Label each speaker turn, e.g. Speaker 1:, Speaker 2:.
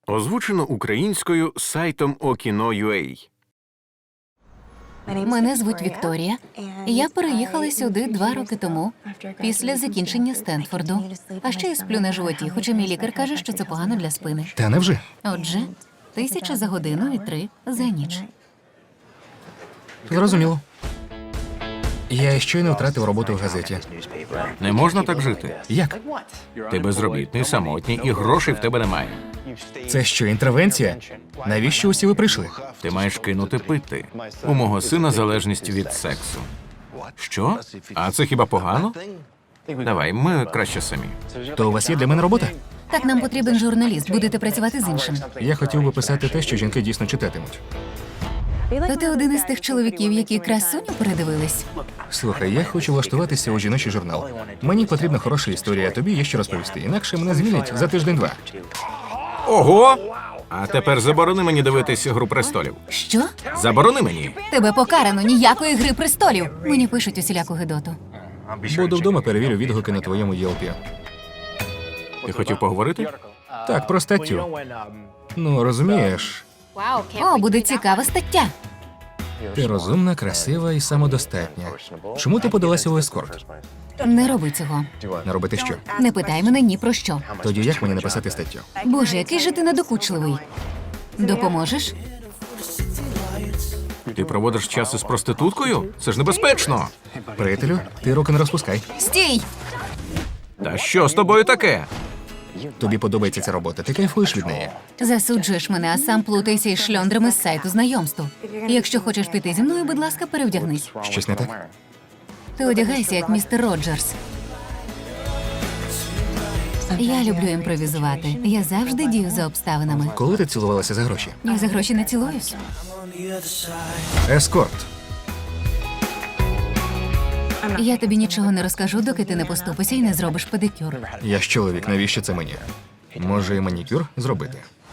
Speaker 1: Озвучено українською сайтом Okino.ua.
Speaker 2: Мене звуть Вікторія. Я переїхала сюди 2 роки тому, після закінчення Стенфорду. А ще я сплю на животі, хоча мій лікар каже, що це погано для спини.
Speaker 3: Та невже?
Speaker 2: Отже, 1000 за годину і 3 за ніч.
Speaker 3: Зрозуміло. Я щойно втратив роботу в газеті.
Speaker 1: Не можна так жити.
Speaker 3: Як?
Speaker 1: Ти безробітний, самотній і грошей в тебе немає.
Speaker 3: Це що, інтервенція? Навіщо усі ви прийшли?
Speaker 1: Ти маєш кинути пити. У мого сина залежність від сексу. Що? А це хіба погано? Давай, ми краще самі.
Speaker 3: То у вас є для мене робота?
Speaker 2: Так, нам потрібен журналіст, будете працювати з іншим.
Speaker 3: Я хотів би писати те, що жінки дійсно читатимуть.
Speaker 2: То ти один із тих чоловіків, які красуню передивились?
Speaker 3: Слухай, я хочу влаштуватися у жіночий журнал. Мені потрібна хороша історія, а тобі є що розповісти. Інакше мене звільнять за тиждень-два.
Speaker 1: Ого! А тепер заборони мені дивитись «Гру престолів».
Speaker 2: Що?
Speaker 1: Заборони мені.
Speaker 2: Тебе покарано, ніякої гри престолів. Мені пишуть усіляку гидоту.
Speaker 3: Буду вдома, перевірю відгуки на твоєму ЄЛПі.
Speaker 1: Ти хотів поговорити?
Speaker 3: Так, про статтю. Ну, розумієш,
Speaker 2: О, буде цікава стаття.
Speaker 3: ти розумна, красива і самодостатня. Чому ти подалася у ескорт?
Speaker 2: Не роби цього.
Speaker 3: Не робити що?
Speaker 2: Не питай мене ні про що.
Speaker 3: Тоді як мені написати статтю?
Speaker 2: Боже, який же ти надокучливий. Допоможеш?
Speaker 1: Ти проводиш час із проституткою? Це ж небезпечно.
Speaker 3: Приятелю, ти руки не розпускай.
Speaker 2: Стій!
Speaker 1: Та що з тобою таке?
Speaker 3: Тобі подобається ця робота, ти кайфуєш від неї.
Speaker 2: Засуджуєш мене, а сам плутайся із шльондрами з сайту знайомств. Якщо хочеш піти зі мною, будь ласка, перевдягнись.
Speaker 3: Щось не так?
Speaker 2: Ти одягайся, як містер Роджерс. Я люблю імпровізувати. Я завжди дію за обставинами.
Speaker 3: Коли ти цілувалася за гроші?
Speaker 2: Я за гроші не цілуюсь.
Speaker 3: Ескорт.
Speaker 2: Я тобі нічого не розкажу, доки ти не поступишся і не зробиш педикюр.
Speaker 3: Я ж чоловік, навіщо це мені? Може, і манікюр зробити?